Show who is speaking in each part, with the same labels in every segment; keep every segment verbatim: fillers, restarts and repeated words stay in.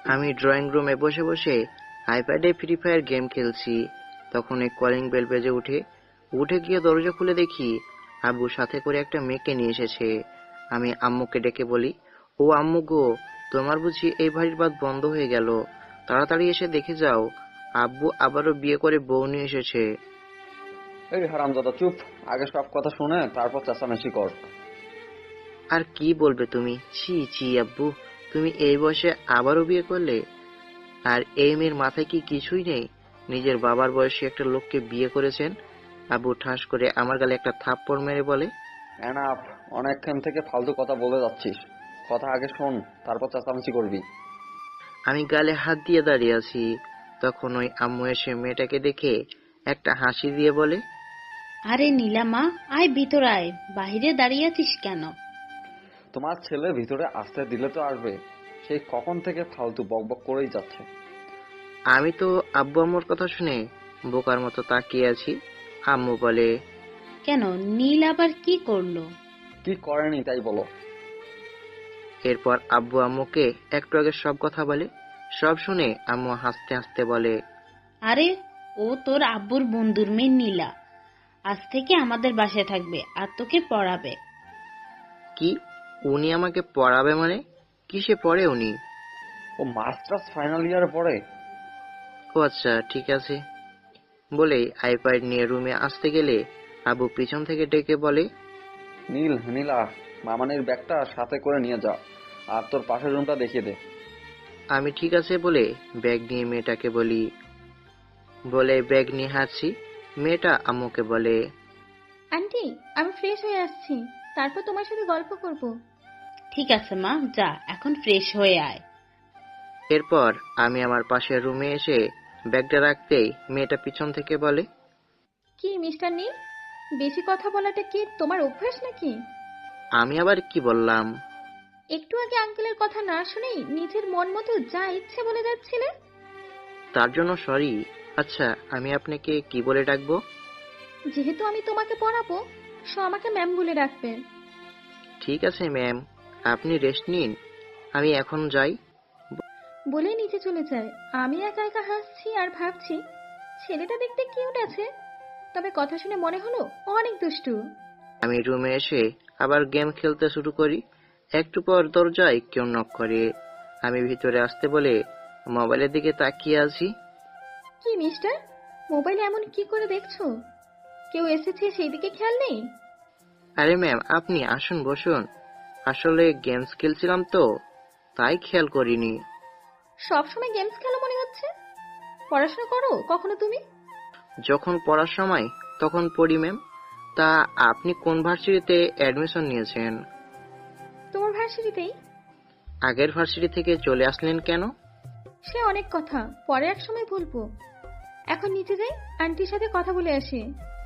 Speaker 1: আমি ড্রয়িং রুমে বসে বসে আইপ্যাডে ফ্রি ফায়ার গেম খেলছি। তখন এই কলিং বেল বেজে উঠে উঠে গিয়ে দরজা খুলে দেখি আব্বু সাথে করে একটা মেয়েকে নিয়ে এসেছে। আমি আম্মুকে ডেকে বলি, ও আম্মু গো, তোমার বুঝি এই বাড়ির বাত বন্ধ হয়ে গেল? তাড়াতাড়ি এসে দেখে যাও, আব্বু আবারও বিয়ে করে বউ নিয়ে এসেছে।
Speaker 2: এই হারামজাদা চুপ, আগে সব কথা শুনে তারপর চেঁচামেচি কর।
Speaker 1: আর কি বলবে তুমি? ছি ছি আব্বু, তুমি এই বয়সে আবারও বিয়ে করলে? আর এই মেয়ের মাথায় কি কিছুই নেই? নিজের বাবার বয়সী একটা লোককে বিয়ে করেছেন। আব্বু ঠাস করে আমার গালে একটা থাপ্পড় মেরে বলে,
Speaker 2: এনাফ, অনেকক্ষণ থেকে ফালতু কথা বলে যাচ্ছিস। কথা আগে শোন, তারপর চেঁচামেচি করবি।
Speaker 1: আমি গালে হাত দিয়ে দাঁড়িয়ে আছি। তখন ওই আম্মু এসে মেয়েটাকে দেখে একটা হাসি দিয়ে বলে,
Speaker 3: আরে নীলামা, আয় ভিতর আয়, বাহিরে দাঁড়িয়ে আছিস কেন?
Speaker 2: তোমার ছেলে ভিতরে আসতে দিলে তো আসবে, সেই কখন থেকে ফালতু বকবক করেই যাচ্ছে।
Speaker 1: আমি তো আব্বু আম্মুর কথা শুনে বোকার মতো তাকিয়ে আছি। আম্মু বলে,
Speaker 3: কেন, নীল আবার কি করলো?
Speaker 2: কি করেনি তাই বলো।
Speaker 1: এরপর আব্বু আম্মুকে একটু আগে সব কথা বলে। সব শুনে আম্মু হাসতে হাসতে বলে,
Speaker 3: আরে, ও তোর আব্বুর বন্ধুর মেয়ে নীলা। আজ থেকে আমাদের বাসায় থাকবে আর তোকে পড়াবে।
Speaker 1: কি? উনি আমাকে পড়াবে মানে? কিসে পড়ে উনি?
Speaker 2: ও মাস্টার্স ফাইনাল ইয়ারে পড়ে।
Speaker 1: ও আচ্ছা, ঠিক আছে। বলেই আইপ্যাড নিয়ে রুমে আসতে গেলে আব্বু পিছন থেকে ডেকে বলে,
Speaker 2: নীল, নীলা, মামানির ব্যাগটা সাথে করে নিয়ে যা, আর তোর পাশের রুমটা দেখিয়ে দে।
Speaker 1: আমি ঠিক আছে বলে ব্যাগ নিয়ে মেয়েটাকে বলি। বলে ব্যাগ নিয়ে হাঁটছি। মেয়েটা আম্মুকে বলে,
Speaker 4: আন্টি, আমি ফ্রেশ হয়ে আসছি, তারপর তোমার সাথে গল্প করব।
Speaker 3: ঠিক আছে মা, যা এখন ফ্রেশ হয়ে আয়।
Speaker 1: এরপর আমি আমার পাশের রুমে এসে ব্যাগটা রাখতেই মেয়েটা পিছন থেকে বলে,
Speaker 4: কি মিস্টার নীল, বেশি কথা বলাটা কি তোমার অভ্যাস নাকি?
Speaker 1: আমি আবার কি বললাম?
Speaker 4: একটু আগে আঙ্কেলের কথা না শুনেই নিজের মন মতো যা ইচ্ছে বলে যাচ্ছিলে।
Speaker 1: তার জন্য সরি। আচ্ছা, আমি আপনাকে কি বলে ডাকবো?
Speaker 4: যেহেতু আমি তোমাকে পড়াবো, সো আমাকে ম্যাম বলে ডাকবে।
Speaker 1: ঠিক আছে ম্যাম, আপনি রেস্ট নিন, আমি এখন যাই।
Speaker 4: বলে নিচে চলে যায়। আমি একা একা হাসছি আর ভাবছি, ছেলেটা দেখতে কিউট আছে, তবে কথা শুনে মনে হলো অনেক দুষ্টু।
Speaker 1: আমি রুমে এসে আবার গেম খেলতে শুরু করি। একটু পর দরজায় কেউ নক করে। আমি ভিতরে আসতে বলে মোবাইলের দিকে তাকিয়ে আছি।
Speaker 4: কি মিস্টার, মোবাইলে এমন কি করে দেখছো? কেউ এসেছে সেই দিকে খেয়াল নেই?
Speaker 1: আরে ম্যাম, আপনি আসুন, বসুন। আসলে গেমস খেলছিলাম তো, তাই খেয়াল করিনি।
Speaker 4: সবসময় গেমস খেলো মনে হচ্ছে। পড়াশোনা করো কখনো তুমি?
Speaker 1: যখন পড়ার সময় তখন পড়ি ম্যাম। তা আপনি কোন ভার্সিটিতে অ্যাডমিশন নিয়েছেন?
Speaker 4: তোমার ভার্সিটিতেই।
Speaker 1: আগের ভার্সিটি থেকে চলে আসলেন কেন?
Speaker 4: সে অনেক কথা, পরে এক সময় বলবো। এখন নিচে যাই, আন্টির সাথে কথা বলে আসি।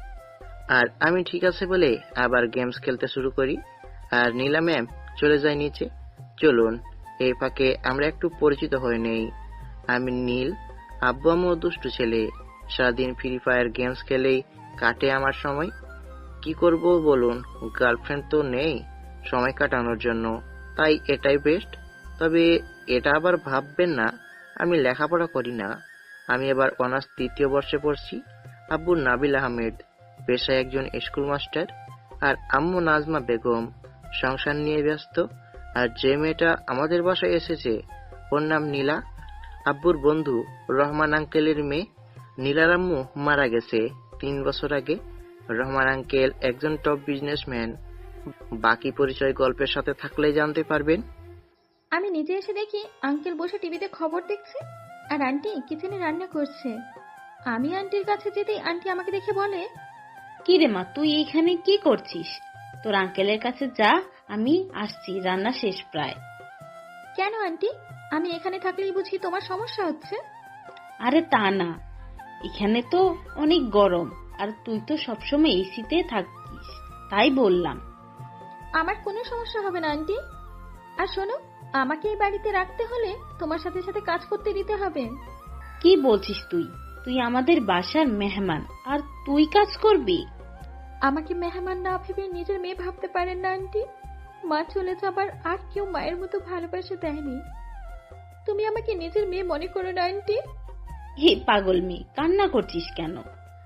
Speaker 1: আর আমি ঠিক আছে বলে আবার গেমস খেলতে শুরু করি। আর নীলা ম্যাম চলে যায় নিচে। চলুন এই ফাঁকে আমরা একটু পরিচিত হয়ে নেই। আমি নীল, আব্বু আম্মু দুষ্টু ছেলে। সারাদিন ফ্রি ফায়ার গেমস খেলেই কাটে আমার সময়। কি করব বলুন, গার্লফ্রেন্ড তো নেই সময় কাটানোর জন্য, তাই এটাই বেস্ট। তবে এটা আবার ভাববেন না আমি লেখাপড়া করি না। আমি এবার অনার্স তৃতীয় বর্ষে পড়ছি। আব্বু নাবিল আহমেদ, পেশায় একজন স্কুল মাস্টার। আর আম্মু নাজমা বেগম, সংসার নিয়ে ব্যস্ত। আর যে মেয়েটা আমাদের বাসায় এসেছে ওর নাম নীলা, আব্বুর বন্ধু রহমান আঙ্কেলের মেয়ে। নীলার আম্মু মারা গেছে তিন বছর আগে। রহমান আঙ্কেল একজন টপ বিজনেসম্যান। বাকি পরিচয় গল্পের সাথে থাকলে জানতে পারবেন।
Speaker 4: আমি নিচে এসে দেখি আঙ্কেল বসে টিভিতে খবর দেখছে আর আন্টি কিচেনে রান্না করছে। আমি আন্টির কাছে যেতেই আন্টি আমাকে দেখে বলে,
Speaker 3: কি রে মা, তুই এইখানে কি করছিস? তোর আঙ্কেলের কাছে যা, আমি আসছি, রান্না শেষ প্রায়।
Speaker 4: কেন আন্টি, আমি এখানে থাকলেই বুঝি তোমার সমস্যা হচ্ছে?
Speaker 3: আরে তা না, এখানে তো অনেক গরম, আর তুই তো সবসময় এসিতে থাকিস, তাই বললাম।
Speaker 4: আমার কোনো সমস্যা হবে না আন্টি। আর শোনো, আমাকে এই বাড়িতে রাখতে হলে তোমার সাথে সাথে কাজ করতে দিতে হবে।
Speaker 3: কি বলছিস তুই? তুই আমাদের বাসার মেহমান, আর তুই কাজ করবি?
Speaker 4: আমাকে মেহমান না ভেবে নিজের মেয়ে ভাবতে পারেন না আন্টি? মা চলে যাবার আর কেউ মায়ের মতো ভালোবাসা দেয়নি। তুমি আমাকে নিজের মেয়ে মনে করো না আন্টি?
Speaker 3: হে পাগল মেয়ে, কান্না করছিস কেন?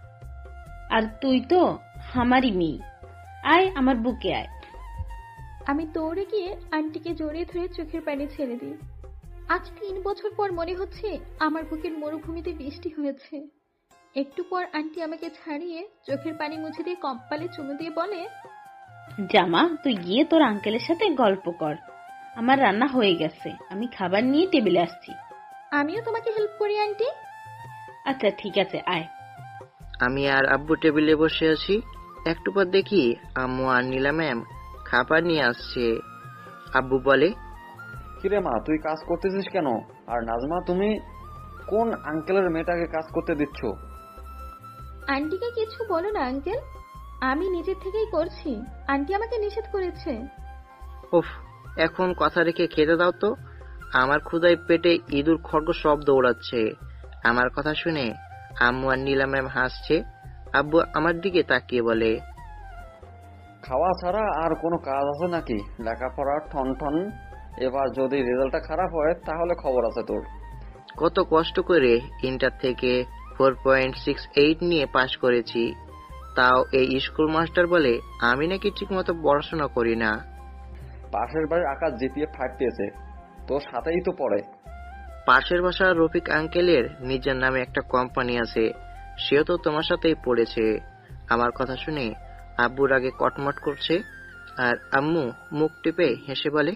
Speaker 3: আর তুই তো আমারই মেয়ে। আয় আমার বুকে আয়।
Speaker 4: আমি দৌড়ে গিয়ে আন্টিকে জড়িয়ে ধরে চোখের পানি ছেড়ে দিই। আজ তিন বছর পর মনে হচ্ছে আমার বুকের মরুভূমিতে বৃষ্টি হয়েছে। একটু পর আন্টি আমাকে ছাড়িয়ে চোখের পানি মুছে দিয়ে কপালে চুমু দিয়ে বলে,
Speaker 3: জামা, তুই গিয়ে তোর আঙ্কেলের সাথে গল্প কর। আমার রান্না হয়ে গেছে, আমি খাবার নিয়ে টেবিলে আসছি।
Speaker 4: আমিও তোমাকে হেল্প করি আন্টি।
Speaker 3: আচ্ছা ঠিক আছে, আয়।
Speaker 1: আমি আর আব্বু টেবিলে বসে আছি। একটু পর দেখি আম্মু আর নীলা ম্যাম খাবার নিয়ে আসছে। আব্বু বলে,
Speaker 2: কিরে মা, তুই কাজ করতেছিস কেন? আর নাজমা, তুমি কোন আঙ্কেলের মেয়েটাকে কাজ করতে দিচ্ছ?
Speaker 4: আন্টিকে কিছু বলো না আঙ্কেল, আমি নিজের থেকেই করছি। আন্টি আমাকে নিষেধ করেছে।
Speaker 1: উফ, এখন কথা রেখে খেতে দাও তো। আমার ক্ষুধায় পেটে ইঁদুর খড়গ সব দৌড়াচ্ছে। আমার কথা শুনে আম্মু আর নীলা ম্যাম হাসছে। আব্বু আমার দিকে তাকিয়ে বলে,
Speaker 2: খাওয়া ছাড়া আর কোনো কাজ আছে নাকি? লেখাপড়া ঠন ঠন। এবার যদি রেজাল্টটা খারাপ হয় তাহলে খবর আছে তোর।
Speaker 1: কত কষ্ট করে ইন্টার থেকে ফোর পয়েন্ট সিক্স এইট নিয়ে পাশ করেছি, তাও এই স্কুল মাস্টার বলে আমি নাকি ঠিক মতো পড়াশোনা করি না।
Speaker 2: পাশের বাড়ির আকাশ জিপিএ ফাইভ পেয়েছে, তোর সাথেই তো পড়ে।
Speaker 1: পাশের বাসার রফিক আঙ্কেলের নিজের নামে একটা কোম্পানি আছে, সেও তো তোমার সাথেই পড়েছে। আমার কথা শুনে আব্বুর আগে কটমট করছে, আর আম্মু মুখ টিপে হেসে বলে,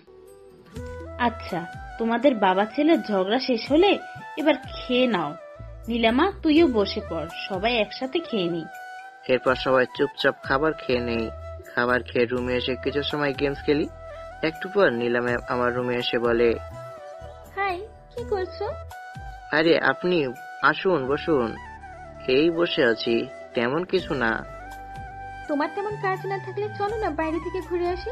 Speaker 3: আচ্ছা, তোমাদের বাবা ছেলের ঝগড়া শেষ হলে এবার খেয়ে নাও। নীলামা, তুইও বসে পড়, সবাই একসাথে খেয়ে নিই।
Speaker 1: এরপর সবাই চুপচাপ খাবার খেয়ে নেই। খাবার খেয়ে রুমে এসে কিছু সময় গেমস খেলি। একটু পর নীলা ম্যাম আমার রুমে এসে বলে,
Speaker 4: হাই, কি করছো?
Speaker 1: আরে আপনি আসুন, বসুন। এই বসে আছি, তেমন কিছু না।
Speaker 4: তোমার তেমন কাজ না থাকলে চলো না বাইরে থেকে ঘুরে আসি।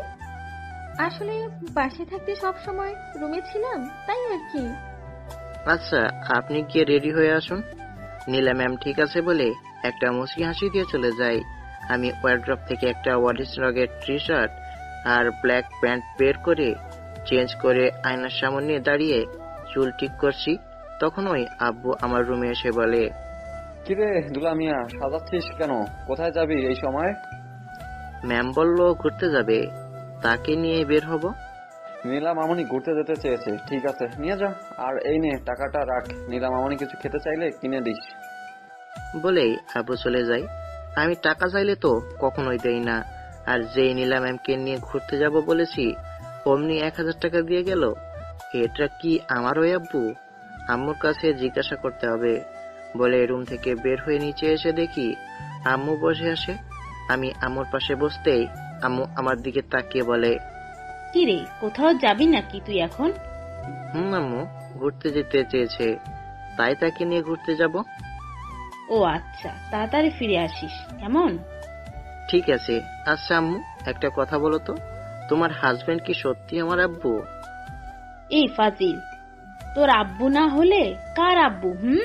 Speaker 4: আসলে বাসে থাকতে সব সময় রুমে ছিলাম, তাই আর কি।
Speaker 1: আচ্ছা, আপনি গিয়ে রেডি হয়ে আসুন। নীলা ম্যাম ঠিক আছে বলে একটা মুচকি হাসি দিয়ে চলে যায়। আমি ওয়ার্ড্রপ থেকে একটা ওয়ারিস রগের টি শার্ট আর ব্ল্যাক প্যান্ট বের করে চেঞ্জ করে আয়নার সামনে দাঁড়িয়ে চুল ঠিক করছি। তখনই আব্বু আমার রুমে এসে বলে,
Speaker 2: কিরে দুলা মিয়া, সাজাচ্ছিস কেন? কোথায় যাবি এই সময়?
Speaker 1: ম্যাম বলল ঘুরতে যাবে, তাকে নিয়ে বের হব।
Speaker 2: নীলা মামনি ঘুরতে যেতে চেয়েছে, ঠিক আছে নিয়ে যা। আর এই নে টাকাটা রাখ, নীলা মামনি কিছু খেতে চাইলে কিনে দিস।
Speaker 1: বলেই আব্বু চলে যায়। আমি টাকা চাইলে তো কখনোই দেই না, আর যেই নীলা ম্যামকে নিয়ে ঘুরতে যাব বলেছি অমনি এক হাজার টাকা দিয়ে গেল। এটা কি আমার ওই আব্বু? আম্মুর কাছে জিজ্ঞাসা করতে হবে বলে রুম থেকে বের হয়ে নিচে এসে দেখি আম্মু বসে আসে। আমি আম্মুর পাশে বসতেই আম্মু আমার দিকে তাকিয়ে বলে,
Speaker 3: কি রে, কোথাও যাবি নাকি তুই এখন?
Speaker 1: হুম আম্মু, ঘুরতে যেতে চেয়েছে, তাই তাকে নিয়ে ঘুরতে যাব।
Speaker 3: ও আচ্ছা, তাড়াতাড়ি ফিরে আসিস কেমন?
Speaker 1: ঠিক আছে। আচ্ছা আম্মু, একটা কথা বলো তো, তোমার হাজবেন্ড কি সত্যি আমার আব্বু?
Speaker 3: এই ফাজিল, তোর আব্বু না হলে কার আব্বু? হুম,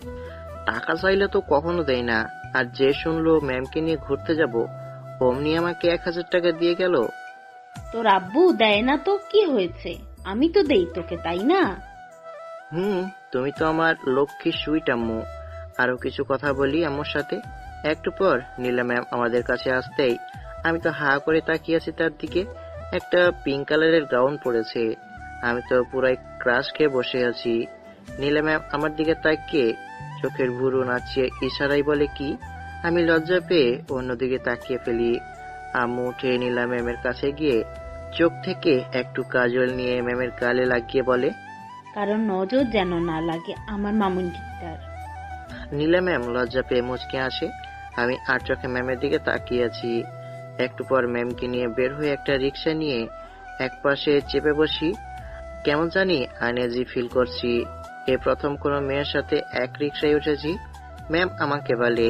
Speaker 1: টাকা চাইলে তো কখনো দেয় না, আর যে শুনলো ম্যামকে নিয়ে ঘুরতে যাব অমনি আমাকে এক হাজার টাকা দিয়ে গেল।
Speaker 3: তোর আব্বু দেয় না তো কি হয়েছে, আমি তো দেই তোকে, তাই না?
Speaker 1: হুম, তুমি তো আমার লক্ষ্মী সুইট আম্মু। আরো কিছু কথা বলি আম্মুর সাথে। একটু পর নীলা ম্যাম আমাদের কাছে আসতেই আমি তো হা করে তাকিয়ে আছি তার দিকে। একটা পিঙ্ক কালারের গাউন পরেছে। আমি তো পুরাই ক্রাশ খেয়ে বসে আছি। নীলা ম্যাম আমার দিকে তাকিয়ে চোখের ভুরু নাচিয়ে ইশারাই বলে কি, আমি লজ্জা পেয়ে অন্যদিকে তাকিয়ে ফেলি। আম্মু উঠে নীলা ম্যামের কাছে গিয়ে চোখ থেকে একটু কাজল নিয়ে ম্যামের গালে লাগিয়ে বলে,
Speaker 3: কারণ নজর যেন না লাগে আমার মামুনিটার।
Speaker 1: নীলা ম্যাম লজ্জা পেয়ে মুচকে আসে। আমি আর চোখে ম্যামের দিকে তাকিয়ে আছি। একটু পর ম্যামকে নিয়ে বের হয়ে একটা রিক্সা নিয়ে এক পাশে চেপে বসি। কেমন জানি আনইজি ফিল করছি। এই প্রথম কোনো মেয়ের সাথে এক রিক্সায় উঠেছি। ম্যাম আমাকে বলে,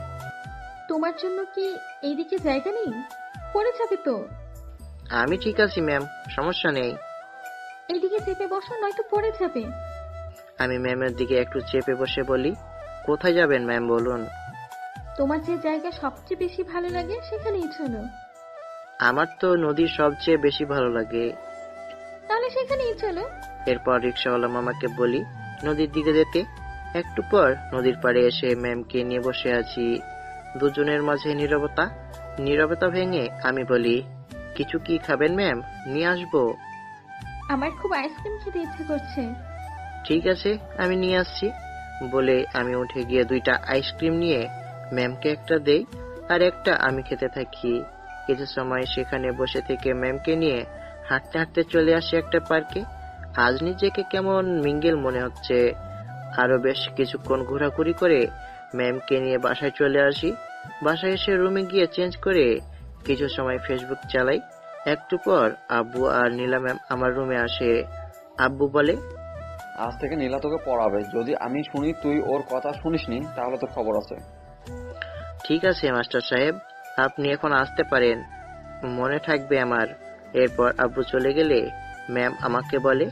Speaker 4: তোমার জন্য কি এইদিকে জায়গা নেই? পড়ে যাবে তো।
Speaker 1: আমি ঠিক আছি ম্যাম, সমস্যা নেই।
Speaker 4: এইদিকে চেপে বসো, নয়তো পড়ে যাবে।
Speaker 1: আমি ম্যামের দিকে একটু চেপে বসে বলি, কোথায় যাবেন ম্যাম বলুন?
Speaker 4: তোমার যে জায়গা সবচেয়ে বেশি ভালো লাগে সেখানেই চলো।
Speaker 1: আমার তো নদী সবচেয়ে বেশি ভালো লাগে।
Speaker 4: তাহলে সেখানেই চলো।
Speaker 1: এরপর রিক্সাওয়ালা মামাকে বলি নদীর দিকে যেতে। একটু পর নদীর পাড়ে এসে ম্যামকে নিয়ে বসে আছি। দুজনের মাঝে নীরবতা। নীরবতা ভেঙে আমি বলি, কিছু কি খাবেন ম্যাম? নিয়ে আসবো?
Speaker 4: আমার খুব আইসক্রিম খেতে ইচ্ছে করছে।
Speaker 1: ঠিক আছে, আমি নিয়ে আসছি বলে আমি উঠে গিয়ে দুইটা আইসক্রিম নিয়ে ম্যামকে একটা দেই আর একটা আমি খেতে থাকি। কিছু সময় সেখানে বসে থেকে ম্যামকে নিয়ে হাঁটতে হাঁটতে চলে আসি একটা পার্কে। আজ নিজেকে কেমন মিঙ্গেল মনে হচ্ছে। আরো বেশ কিছুক্ষণ ঘোরাঘুরি করে ম্যামকে নিয়ে বাসায় চলে আসি। বাসায় এসে রুমে গিয়ে চেঞ্জ করে কিছু সময় ফেসবুক চালাই। একটু পর আব্বু আর নীলা ম্যাম আমার রুমে আসে। আব্বু বলে,
Speaker 2: আজ থেকে নীলা তোকে পড়াবে। যদি আমি শুনি তুই ওর কথা শুনিসনি তাহলে তোর খবর আছে।
Speaker 1: ঠিক আছে মাস্টার সাহেব, আপনি এখন আসতে পারেন, মনে থাকবে আমার। এরপর আব্বু চলে গেলে ম্যাম আমাকে বলে,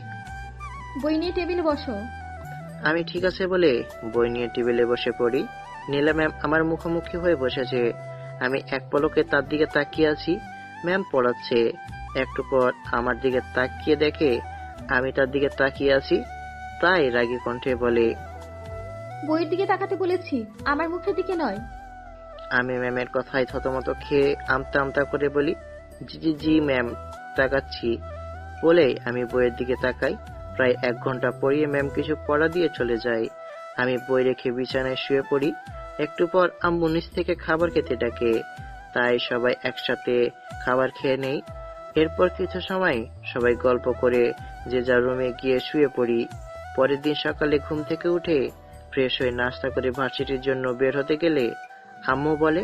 Speaker 4: বই নিয়ে টেবিলে বসো।
Speaker 1: আমি ঠিক আছে বলে বই নিয়ে টেবিলে বসে পড়ি। নীলা ম্যাম আমার মুখোমুখি হয়ে বসেছে। আমি এক পলকে তার দিকে তাকিয়ে আছি। ম্যাম পড়াচ্ছে। একটু পর আমার দিকে তাকিয়ে দেখে আমি তার দিকে তাকিয়ে আছি, তাই রাগী কণ্ঠে বলে,
Speaker 4: বইয়ের দিকে তাকাতে বলেছি, আমার মুখের দিকে নয়।
Speaker 1: আমি ম্যামের কথায় থতমত খেয়ে আমতা আমতা করে বলি, জি জি জি ম্যাম, তাকাচ্ছি বলে আমি বইয়ের দিকে তাকাই। প্রায় এক ঘন্টা পড়িয়ে ম্যাম কিছু পড়া দিয়ে চলে যায়। আমি বই রেখে বিছানায় শুয়ে পড়ি। একটু পর আম্মু নিচ থেকে খাবার খেতে ডাকে, তাই সবাই একসাথে খাবার খেয়ে নেই। এরপর কিছু সময় সবাই গল্প করে যে যার রুমে গিয়ে শুয়ে পড়ি। পরের দিন সকালে ঘুম থেকে উঠে ফ্রেশ হয়ে নাস্তা করে ভার্সিটির জন্য বের হতে গেলে আম্মু বলে,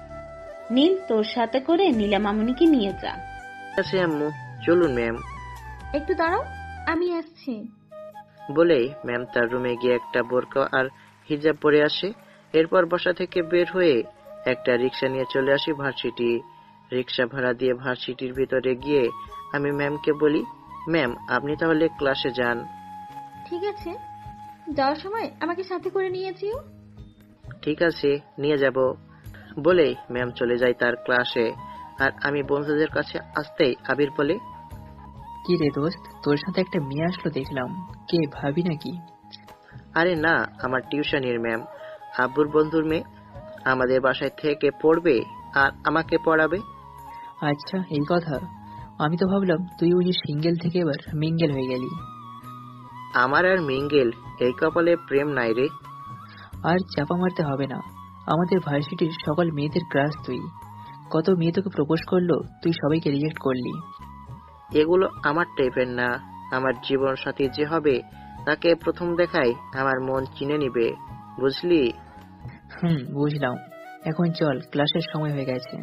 Speaker 3: নীল, তোর সাথে করে নীলা মামুনিকে নিয়ে যা।
Speaker 1: ঠিক আছে আম্মু, চলুন ম্যাম
Speaker 4: একটু দাঁড়াও, আমি আসছি।
Speaker 1: বলেই ম্যাম তার রুমে গিয়ে একটা বোরকা আর হিজাব পরে আসে। এরপর বাসা থেকে বের হয়ে একটা রিক্সা নিয়ে চলে আসি ভার্সিটি। রিক্সা ভাড়া দিয়ে ভার্সিটির ভিতরে গিয়ে আমি ম্যামকে বলি, ম্যাম আপনি তাহলে ক্লাসে যান।
Speaker 4: ঠিক আছে, যাওয়ার সময় আমাকে সাথে করে নিয়ে যেও।
Speaker 1: ঠিক আছে, নিয়ে যাব বলেই ম্যাম চলে যায় তার ক্লাসে। আর আমি বন্ধুদের কাছে আসতেই আবির বলে,
Speaker 5: কি রে দোস্ত, তোর সাথে একটা মেয়ে আসলো দেখলাম, কে ভাবি নাকি?
Speaker 1: আরে না, আমার টিউশনের ম্যাম, আব্বুর বন্ধুর মেয়ে। আমাদের বাসায় থেকে পড়বে আর আমাকে পড়াবে।
Speaker 5: আচ্ছা, এই কথা। আমি তো ভাবলাম তুই ওই সিঙ্গেল থেকে এবার মিঙ্গেল হয়ে গেলি।
Speaker 1: আমার আর মিঙ্গেল এই কপালে প্রেম নাই রে।
Speaker 5: আর চাপা মারতে হবে না, আমাদের ভার্সিটির সকল মেয়েদের ক্রাশ তুই। কত মেয়ে তোকে প্রপোজ করলো, তুই সবাইকে রিজেক্ট করলি।
Speaker 1: এগুলো আমার টাইপের না। আমার জীবন সাথী যে হবে তাকে প্রথম দেখায় আমার মন চিনে নিবে, বুঝলি?
Speaker 5: হুম, বুঝলাম। এখন চল, ক্লাসের সময় হয়ে গেছে।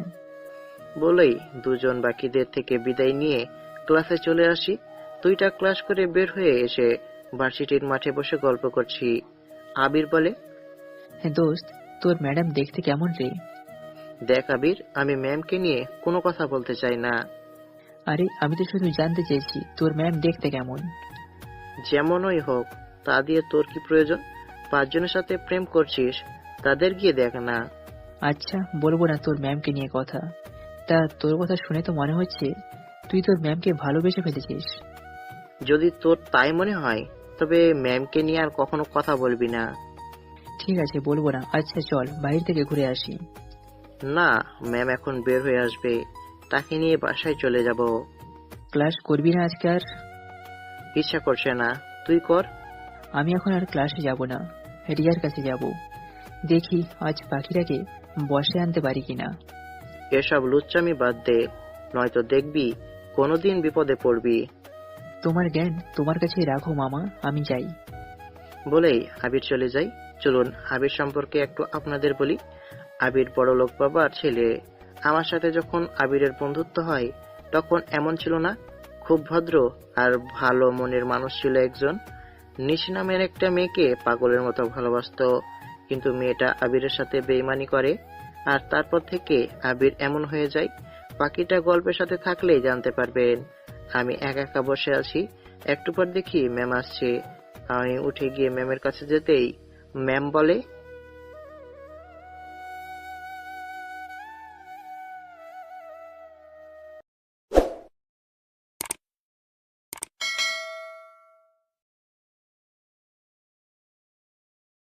Speaker 1: বলেই দুজন বাকিদের থেকে বিদায় নিয়ে ক্লাসে চলে আসি। দুইটা ক্লাস করে বের হয়ে এসে ভার্সিটির মাঠে বসে গল্প করছি। আবির বলে,
Speaker 5: হ্যাঁ দোস্ত, তোর ম্যাডাম দেখতে কেমন রে?
Speaker 1: দেখ আবির, আমি ম্যামকে নিয়ে কোনো কথা বলতে চাই না।
Speaker 5: আরে আমি তো শুধু জানতে চেয়েছি তোর ম্যাম দেখতে কেমন।
Speaker 1: যেমনই হোক, তা দিয়ে তোর কি প্রয়োজন? পাঁচজনের সাথে প্রেম করছিস, তাদের গিয়ে দেখ না।
Speaker 5: আচ্ছা, বলবো না তোর ম্যামকে নিয়ে কথা। তা তোর কথা শুনে তো মনে হচ্ছে তুই তোর ম্যামকে ভালোবেসে ফেলেছিস।
Speaker 1: যদি তোর তাই মনে হয় তবে ম্যামকে নিয়ে আর কখনো কথা বলবি না।
Speaker 5: ঠিক আছে, বলবো না। আচ্ছা চল, বাইরে থেকে ঘুরে আসি।
Speaker 1: না, ম্যাম এখন বের হয়ে আসবে, তাকে নিয়ে বাসায় চলে যাব।
Speaker 5: ক্লাস করবি না আজকে আর?
Speaker 1: ইচ্ছা করছে না, তুই কর।
Speaker 5: আমি এখন আর ক্লাসে যাব না, রিয়ার কাছে যাব। দেখি আজ পাখিটাকে বসে আনতে পারি কিনা।
Speaker 1: এসব লুচ্চামি বাদ দে, নয়তো দেখবি কোনোদিন বিপদে পড়বি।
Speaker 5: তোমার জ্ঞান তোমার কাছেই রাখো মামা, আমি যাই।
Speaker 1: বলেই আবির চলে যাই। চলুন আবির সম্পর্কে একটু আপনাদের বলি। আবির বড়লোক বাবার ছেলে। আমার সাথে যখন আবিরের বন্ধুত্ব হয় তখন এমন ছিল না, খুব ভদ্র আর ভালো মনের মানুষ ছিল একজন। নিশি নামের একটা মেয়েকে পাগলের মতো ভালোবাসতো, কিন্তু মেয়েটা আবিরের সাথে বেইমানি করে আর তারপর থেকে আবির এমন হয়ে যায়। বাকিটা গল্পের সাথে থাকলেই জানতে পারবেন। আমি একা একা বসে আছি। একটু পর দেখি ম্যাম আসছে। আমি উঠে গিয়ে ম্যামের কাছে যেতেই ম্যাম বলে,